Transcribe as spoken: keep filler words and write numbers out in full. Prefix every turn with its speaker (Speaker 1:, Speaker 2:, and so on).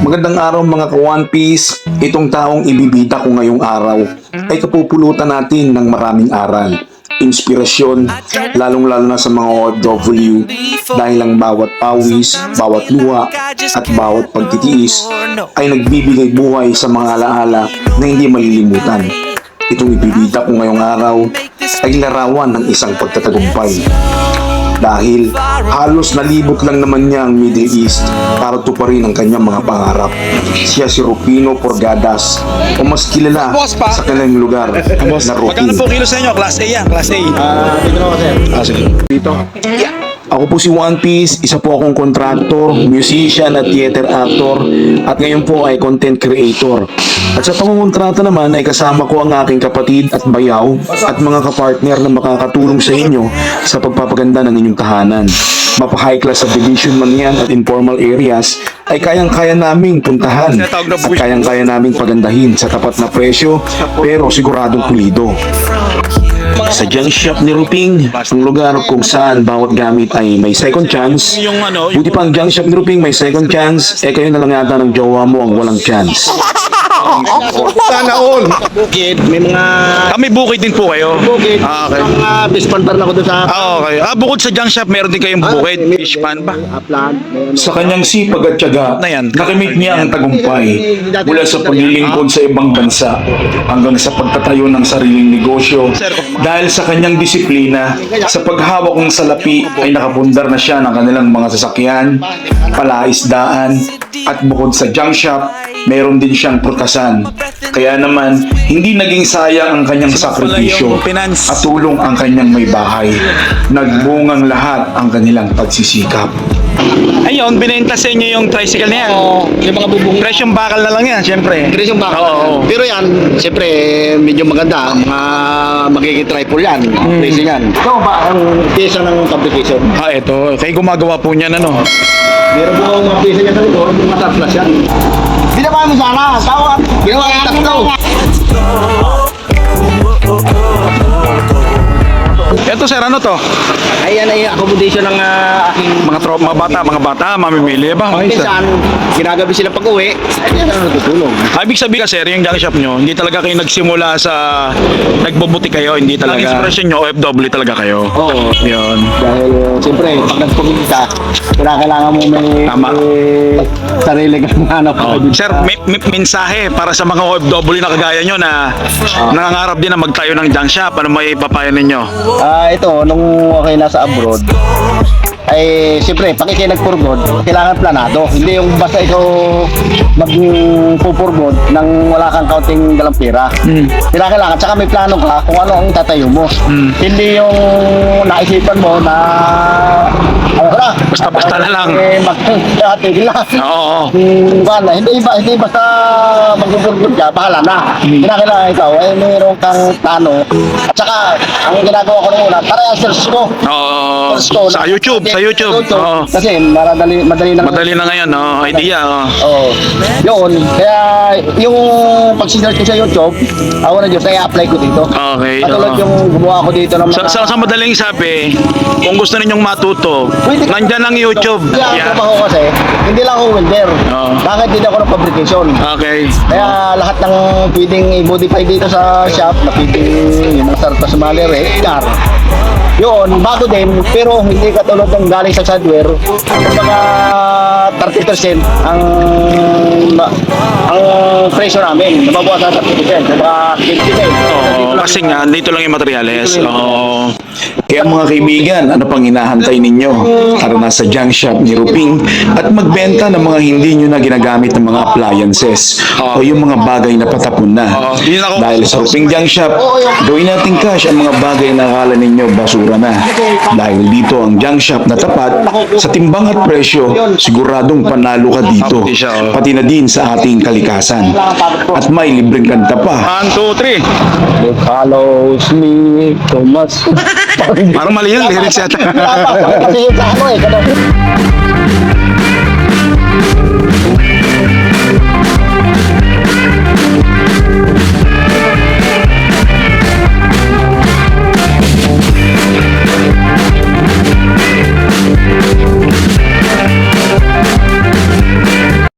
Speaker 1: Magandang araw mga ka-One Piece. Itong taong ibibita ko ngayong araw ay kapupulutan natin ng maraming aral, inspirasyon, lalong-lalo na sa mga O F W dahil ang bawat pawis, bawat luha at bawat pagtitiis ay nagbibigay buhay sa mga alaala na hindi malilimutan. Itong ibibita ko ngayong araw ay larawan ng isang pagtatagumpay. Dahil halos nalibot lang naman niya ang Middle East para tuparin ang kanyang mga pangarap. Siya si Rufino Porgadas o mas kilala sa kanyang lugar na
Speaker 2: Magkano
Speaker 1: Rufino.
Speaker 2: po kilo sa inyo? Class A yan, Class A.
Speaker 3: Ah, dito ako, sir.
Speaker 2: Ah, sige.
Speaker 1: Dito. Ako po si One Piece, isa po akong contractor, musician at theater actor at ngayon po ay content creator. At sa pangungontrata naman ay kasama ko ang aking kapatid at bayaw at mga kapartner na makakatulong sa inyo sa pagpapaganda ng inyong tahanan. Mapa high class subdivision man yan at informal areas ay kayang-kaya naming puntahan at kayang-kaya naming pagandahin sa tapat na presyo pero siguradong pulido. Sa junk shop ni Ruping, ang lugar kung saan bawat gamit ay may second chance.
Speaker 2: Yung ano,
Speaker 1: Buti pa ang junk shop ni Ruping may second chance, eh kayo na lang yata ng jowa mo ang walang chance.
Speaker 3: Sana all. Bukid, may mga
Speaker 2: kami bukid din po kayo.
Speaker 3: bukid.
Speaker 2: Ah, okay.
Speaker 3: May mga bispantar na ko doon sa...
Speaker 2: Ah, okay. Ah, bukod sa junk shop, meron din kayong bukid,
Speaker 3: may-
Speaker 2: fish pan ba?
Speaker 3: may upland, may ano.
Speaker 1: Sa kanyang sipag at tiyaga,
Speaker 2: Na yan.
Speaker 1: nakamit niya ang tagumpay mula sa paglilingkod sa ibang bansa hanggang sa pagtatayo ng sariling negosyo. Dahil sa kanyang disiplina, sa paghawak ng salapi ay nakapundar na siya ng kanilang mga sasakyan, palaisdaan, at bukod sa junk shop, meron din siyang prutasan. Kaya naman, hindi naging sayang ang kanyang sakripisyo
Speaker 2: yung finance.
Speaker 1: at tulong ang kanyang may bahay. Nagbungang lahat ang kanilang pagsisikap.
Speaker 2: Ayun, binenta sa inyo yung tricycle na yan.
Speaker 3: Oo, yung mga bubong.
Speaker 2: Presyong bakal na lang yan, syempre.
Speaker 3: Chris yung bakal.
Speaker 2: Oo.
Speaker 3: Pero yan, siyempre, medyo maganda. Mga magiging triple yan.
Speaker 2: Hmm.
Speaker 3: Pricing yan. Ito ba ang pyesa ng fabrication?
Speaker 2: Ah, ito. Kayo gumagawa po niyan, ano?
Speaker 3: Meron po ang mga pyesa niya sa likod, mga tatlas yan. Ginawa mo sana, tawag. Ginawa yung tatlo.
Speaker 2: Ito, sir, ano to?
Speaker 3: Ayan ay accommodation ng ah, aking
Speaker 2: Mga tro mga bata, mga bata, mamimili ba? Ay, sir.
Speaker 3: pinsan. Ginagabi sila pag-uwi. Ay, yan ang natutulong.
Speaker 2: Ah, ibig sabihin kasi, yung junk shop nyo, hindi talaga kayo nagsimula sa nagbubuti kayo, hindi talaga. Ang inspiration nyo, O F W talaga kayo.
Speaker 3: Oo.
Speaker 2: Yun.
Speaker 3: Dahil siyempre, pag nagpumili ka, kailangan mo may,
Speaker 2: Tama.
Speaker 3: may sarili kang hanap.
Speaker 2: Oh. Sir, may, may mensahe para sa mga O F W na kagaya nyo na nangangarap din na magtayo ng junk shop. Ano may papayo ninyo?
Speaker 3: Ah, ito, nung okay nasa abroad, ay siyempre, pag ikay nagpurgod, kailangan planado. Hindi yung basta ikaw magpupurgod nang wala kang kaunting dalang pera.
Speaker 2: Mm.
Speaker 3: Kailangan, kailangan. Tsaka may plano ka kung ano ang tatayo mo.
Speaker 2: Mm.
Speaker 3: Hindi yung naisipan mo na ano na,
Speaker 2: Basta-basta na lang.
Speaker 3: Eh, mag-tigil lang.
Speaker 2: Oo.
Speaker 3: Hmm, wala. Hindi ba hindi basta magpupurgod ka, bahala na.
Speaker 2: Mm.
Speaker 3: Kailangan ikaw ay mayroon kang plano. At saka, ang ginagawa ko nung una, tara search ko.
Speaker 2: Oo.
Speaker 3: Search ko
Speaker 2: Sa
Speaker 3: na-
Speaker 2: YouTube, sa YouTube. Oo.
Speaker 3: Kasi madali, madali lang.
Speaker 2: Madali na ngayon, oh, idea. Oh.
Speaker 3: Oo. Yun. Kaya yung pag-search ko sa YouTube, ako na Diyos, kaya apply ko dito.
Speaker 2: Okay.
Speaker 3: Katulad
Speaker 2: oo.
Speaker 3: yung gumawa ko dito ng
Speaker 2: Sa, sa, sa madaling sabi, kung gusto ninyong matuto,
Speaker 3: Pwede-
Speaker 2: nandyan ang YouTube.
Speaker 3: Kaya ang
Speaker 2: Yeah.
Speaker 3: trabaho kasi, hindi lang ako welder.
Speaker 2: Oo.
Speaker 3: Bakit din ako ng fabrication?
Speaker 2: Okay.
Speaker 3: Kaya lahat ng pwedeng i-modify dito sa shop, na pwedeng yung mga sarpas malere, car. Yun, bago din, pero hindi katulad ng galing sa hardware. Yung mga thirty percent ang ang presyo namin. Nababawas sa thirty percent, yung mga fifty percent.
Speaker 2: Oo, kasi nga, dito lang yung materyales. Oo.
Speaker 1: Kaya mga kaibigan, ano pang hinahantay ninyo? Tara na sa junk shop ni Ruping at magbenta ng mga hindi nyo na ginagamit ng mga appliances o yung mga bagay na patapon na.
Speaker 2: Oo, yun ako.
Speaker 1: Dahil sa Ruping Junk Shop, gawin natin cash ang mga bagay na akala ninyo basura na. Dahil dito ang junk shop na tapat sa timbang at presyo, siguradong panalo ka dito. Pati na din sa ating kalikasan. At may libreng kanta pa.
Speaker 2: One, two, three.
Speaker 3: It follows me, Thomas.
Speaker 2: Parang mali yung lyrics yata.
Speaker 3: Kasi yung sa ano eh, ganun.